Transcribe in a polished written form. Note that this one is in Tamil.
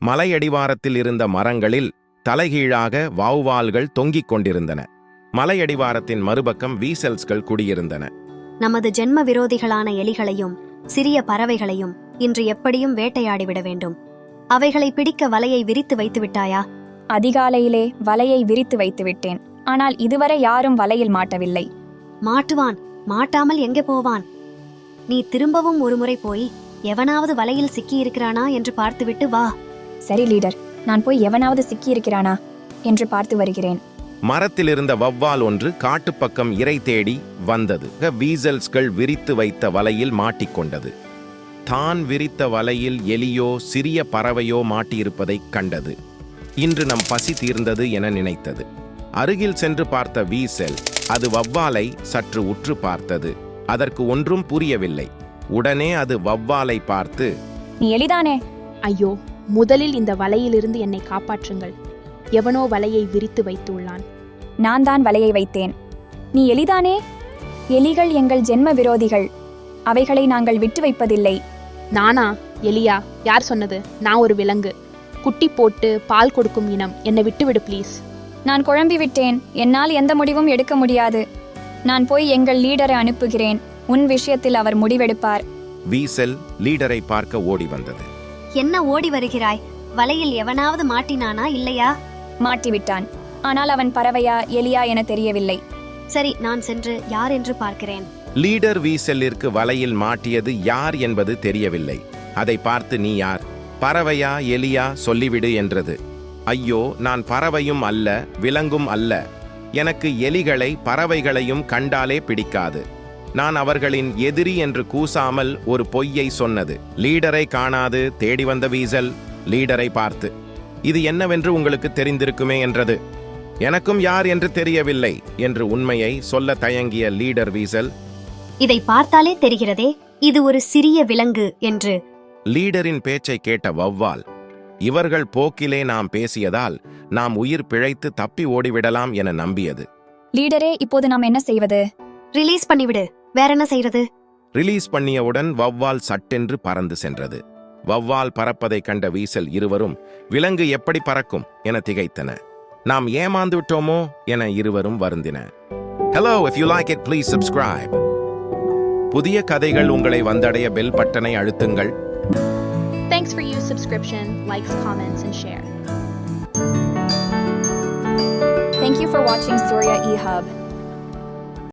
மலையடிவாரத்தில் இருந்த மரங்களில் தலைகீழாக வௌவால்கள் தொங்கிக் கொண்டிருந்தன. மலையடிவாரத்தின் மறுபக்கம் வீசல்ஸ்கள் குடியிருந்தன. நமது ஜென்ம விரோதிகளான எலிகளையும் சிறிய பறவைகளையும் இன்று எப்படியும் வேட்டையாடிவிட வேண்டும். அவைகளை பிடிக்க வலையை விரித்து வைத்து விட்டாயா? அதிகாலையிலே வலையை விரித்து வைத்து விட்டேன். ஆனால் இதுவரை யாரும் வலையில் மாட்டவில்லை. மாட்டுவான். மாட்டாமல் எங்கே போவான்? நீ திரும்பவும் ஒருமுறை போய் எவனாவது வலையில் சிக்கியிருக்கிறானா என்று பார்த்துவிட்டு வா. சரி லீடர், நான் போய் எவனாவது சிக்கியிருக்கிறானா என்று பார்த்து வருகிறேன். மரத்திலிருந்த வௌவால் ஒன்று காட்டுப்பக்கம் இரை தேடி வந்தது. வீசல்ஸ்கள் விரித்து வைத்த வலையில் மாட்டிக்கொண்டது. தான் விரித்த வலையில் எலியோ சிறிய பறவையோ மாட்டியிருப்பதைக் கண்டது. இன்று நம் பசி தீர்ந்தது என நினைத்தது. அருகில் சென்று பார்த்த வீசல் அது வௌவாலை சற்று உற்று பார்த்தது. அதற்கு ஒன்றும் புரியவில்லை. உடனே அது வௌவாலை பார்த்து, நீ எலிதானே? ஐயோ, முதலில் இந்த வலையிலிருந்து என்னை காப்பாற்றுங்கள். எவனோ வலையை விரித்து வைத்துள்ளான். நான் தான் வலையை வைத்தேன். நீ எலிதானே? எலிகள் எங்கள் ஜென்ம விரோதிகள். அவைகளை நாங்கள் விட்டு வைப்பதில்லை. நானா? எலியா? யார் சொன்னது? நான் ஒரு விலங்கு. குட்டி போட்டு பால் கொடுக்கும் இனம். என்னை விட்டுவிடு ப்ளீஸ். நான் குழம்பி விட்டேன். என்னால் எந்த முடிவும் எடுக்க முடியாது. நான் போய் எங்கள் லீடரை அனுப்புகிறேன். உன் விஷயத்தில் அவர் முடிவெடுப்பார். வீசல் லீடரை பார்க்க ஓடி வந்தது. என்ன ஓடி வருகிறாய்? வலையில் எவனாவது மாட்டினானா இல்லையா? மாட்டிவிட்டான். ஆனால் அவன் பறவையா எலியா என தெரியவில்லை. சரி, நான் சென்று யார் என்று பார்க்கிறேன். லீடர் வீசலிற்கு வலையில் மாட்டியது யார் என்பது தெரியவில்லை. அதை பார்த்து, நீ யார்? பறவையா எலியா சொல்லிவிடு என்றது. ஐயோ, நான் பறவையும் அல்ல, விலங்கும் அல்ல. எனக்கு எலிகளை பறவைகளையும் கண்டாலே பிடிக்காது. நான் அவர்களின் எதிரி என்று கூசாமல் ஒரு பொய்யை சொன்னது. லீடரை காணாது தேடி வந்த வீசல் லீடரை பார்த்து, இது என்னவென்று உங்களுக்கு தெரிந்திருக்குமே என்றது. எனக்கும் யார் என்று தெரியவில்லை என்று உண்மையை சொல்ல தயங்கிய லீடர் வீசல், இதை பார்த்தாலே தெரிகிறதே, இது ஒரு சிறிய விலங்கு என்று. லீடரின் பேச்சை கேட்ட வௌவால், இவர்கள் போக்கிலே நாம் பேசியதால் நாம் உயிர் பிழைத்து தப்பி ஓடிவிடலாம் என நம்பியது. லீடரே, இப்போது நாம் என்ன செய்வது? ரிலீஸ் பண்ணிவிடு. வேற என்ன செய்யறது? ரிலீஸ் பண்ணியவுடன் வௌவால் சட்டென்று பறந்து சென்றது. வௌவால் பறப்பதை கண்ட வீசல் இருவரும் விலங்கு எப்படி பறக்கும் என திகைத்தன. நாம் ஏமாந்து விட்டோமோ என இருவரும் வருந்தின. Hello, if you like it, please subscribe. புதிய கதைகள் உங்களை வந்தடைய பெல் பட்டனை அழுத்துங்கள். Thanks for your subscription, likes, comments, and share. Thank you for watching Surya eHub.